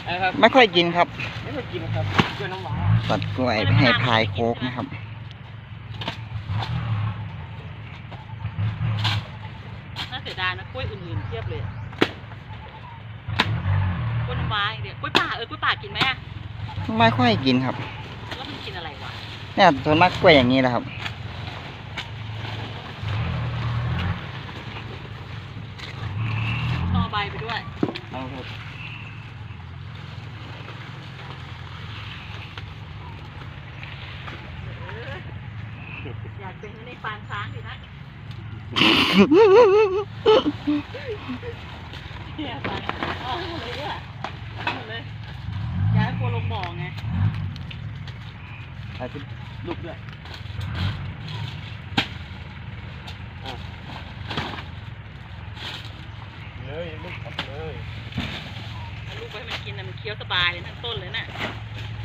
นะครับไม่ค่อยกินครับไม่ค่อยกินครับกล้วยน้ำว้าตัดกล้วยไปให้พายโค้กนะครับน่าเสียดายนะกล้วยอื่นๆเทียบเลยกล้วยน้ำว้าเดี๋ยวกล้วยป่ากล้วยป่ากินไหมอะไม่ค่อยกินครับแล้วมันกินอะไรวะเนี่ยส่วนมากกล้วยอย่างนี้แหละครับต่อใบไปด้วยเอาครับอยากเป็นในปานช้างดินะเนี่ยปานอ๋อหมดเลยอ่ะหมดเลยย้ายโคลงบ่อไงถ่ายเป็นรูปด้วยเลยลูกขับเลยลูกไปให้มันกินนะมันเคี้ยวสบายเลยทั้งต้นเลยน่ะ